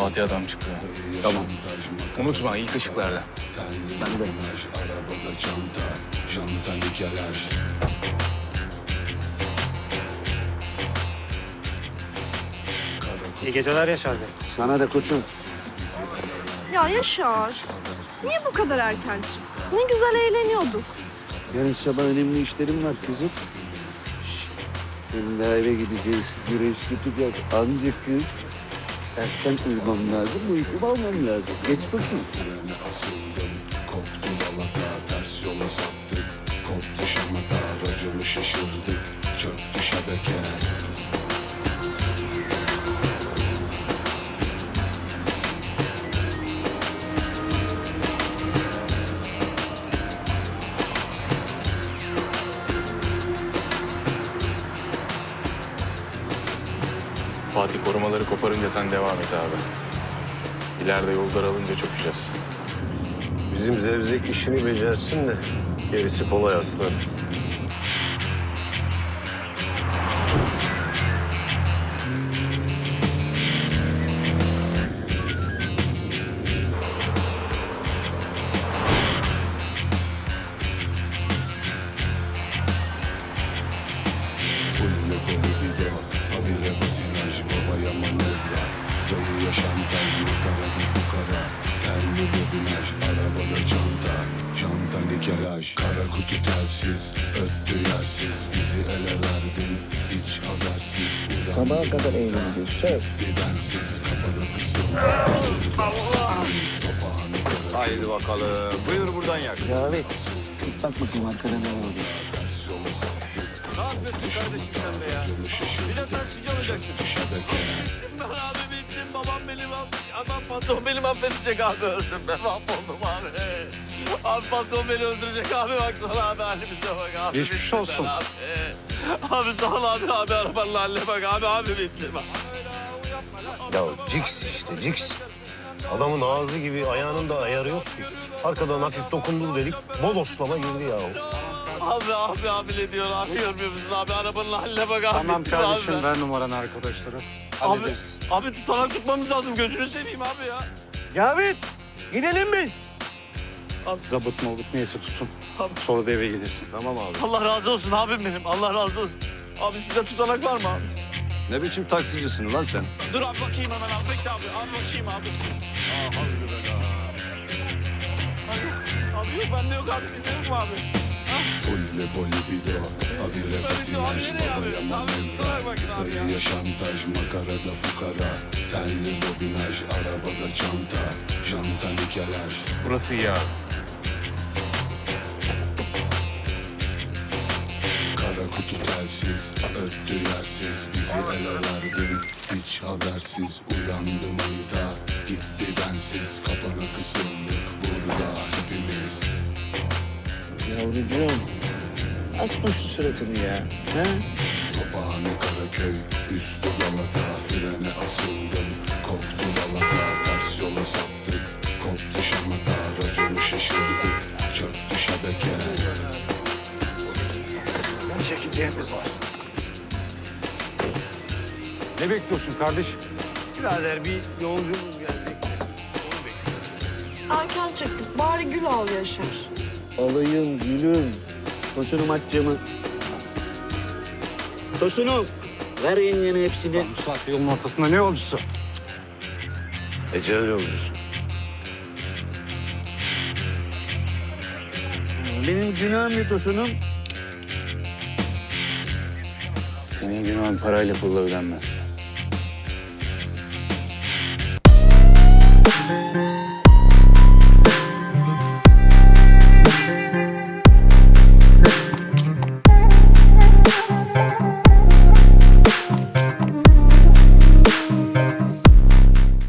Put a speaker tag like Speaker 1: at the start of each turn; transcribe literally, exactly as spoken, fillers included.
Speaker 1: Fatih adam çıktı. Tamam. Unutma ilk ışıklarda.
Speaker 2: Ben de.
Speaker 3: İyi geceler Yaşar Bey.
Speaker 2: Sana da koçum.
Speaker 4: Ya Yaşar, niye bu kadar erken çıktın? Ne güzel eğleniyorduk.
Speaker 2: Yarın sabah önemli işlerim var kızım. Şşt. Senin daha eve gideceğiz. Güreş tutacağız. Anca kız. Erken uyumam lazım. Uykumu almam lazım. Geç bakayım.
Speaker 5: Koptu balata, ters yola saptık. Koptu şamata, raconu şaşırdık. Çöktü şebeke.
Speaker 1: Fatih korumaları koparınca sen devam et abi. İleride yol daralınca çökeceğiz.
Speaker 6: Bizim zevzek işini becersin de gerisi kolay aslan.
Speaker 5: Fulle kolu bir de habire patinaj, babaya manevra. Dayıya şantaj, makara bir fukara. Terli bobinaj, arabada çanta. Çanta nikelaj, kara kutu telsiz. Öttü yersiz, bizi ele verdin. Hiç habersiz.
Speaker 2: Sabaha kadar eğleneceğiz. Söz.
Speaker 5: Bensiz, kafada kısıldı.
Speaker 7: Haydi bakalım. Buyur buradan yak.
Speaker 2: Ya evet. Bak bakayım arkada ne oldu.
Speaker 7: Ne yapıyorsun kardeşim sen be ya? Bir de taksici olacaksın. Ben abi bittim. Babam benim adam patron beni affedecek abi. Öldüm ben mahvoldum abi. Abi patron beni öldürecek abi. Baksana abi halimize bak abi.
Speaker 3: Geçmiş
Speaker 7: bittim
Speaker 3: olsun.
Speaker 7: ben Abi. abi sağ ol abi. Abi arabanın haline bak abi. Abi bittim.
Speaker 6: Ya Cix işte Cix. Adamın ağzı gibi ayağının da ayarı yok ki. Arkadan hafif dokundur dedik, bodoslama girdi ya.
Speaker 7: Abi abi abi ne diyor abi görmüyor musun abi arabanın haline bak abi.
Speaker 3: Tamam
Speaker 7: bittim
Speaker 3: kardeşim
Speaker 7: abi.
Speaker 3: ver numaranı arkadaşlara.
Speaker 7: Abi,
Speaker 3: Hallederiz.
Speaker 7: abi tutanak tutmamız lazım gözünü seveyim abi ya.
Speaker 2: Cavit. Gidelim biz.
Speaker 3: Zabıt mı olup neyse tutun.
Speaker 7: Abi.
Speaker 3: Sonra da eve gelirsin.
Speaker 6: Tamam abi.
Speaker 7: Allah razı olsun abim benim Allah razı olsun. Abi sizde tutanak var mı abi?
Speaker 6: Ne biçim taksicisin lan sen?
Speaker 7: Dur abi bakayım hemen abi bekle abi abi bakayım abi. Aa havlu be la. Abi, abi yok bende yok abi sizde yok mu abi?
Speaker 5: Fulle poli bir de habire patinaj, babaya manevra. Dayıya şantaj, makarada fukara. Terli bobinaj, arabada çanta. Janta nikelaj.
Speaker 1: Burası iyi abi.
Speaker 5: Kara kutu telsiz, öttü yersiz. Bizi ele verdin, hiç habersiz. Uyandım ayda, gitti bensiz. Kapana kısıldık burada hepimiz.
Speaker 2: Yavrucuğum. Asma şu suratını ya. Ha?
Speaker 5: Papağanı Karaköy, üstü Galata. Frene asıldım, koptu balata. Ters yola saptık, koptu şamata. Raconu şaşırdık, çöktü şebeke.
Speaker 3: Çekeceğimiz var. Ne bekliyorsun kardeşim?
Speaker 7: Birader bir yolculuğumuz geldi.
Speaker 4: Erken çıktık. Bari gül al Yaşar.
Speaker 2: Alayım gülüm. Tosunum aç camı. Tosunum. Ver yengene hepsini.
Speaker 3: Bu saatte yolun ortasında ne yolcusu?
Speaker 6: Ecel yolcusu.
Speaker 2: Benim günahım ne Tosunum?
Speaker 1: Senin günahın parayla pulla ödenmez.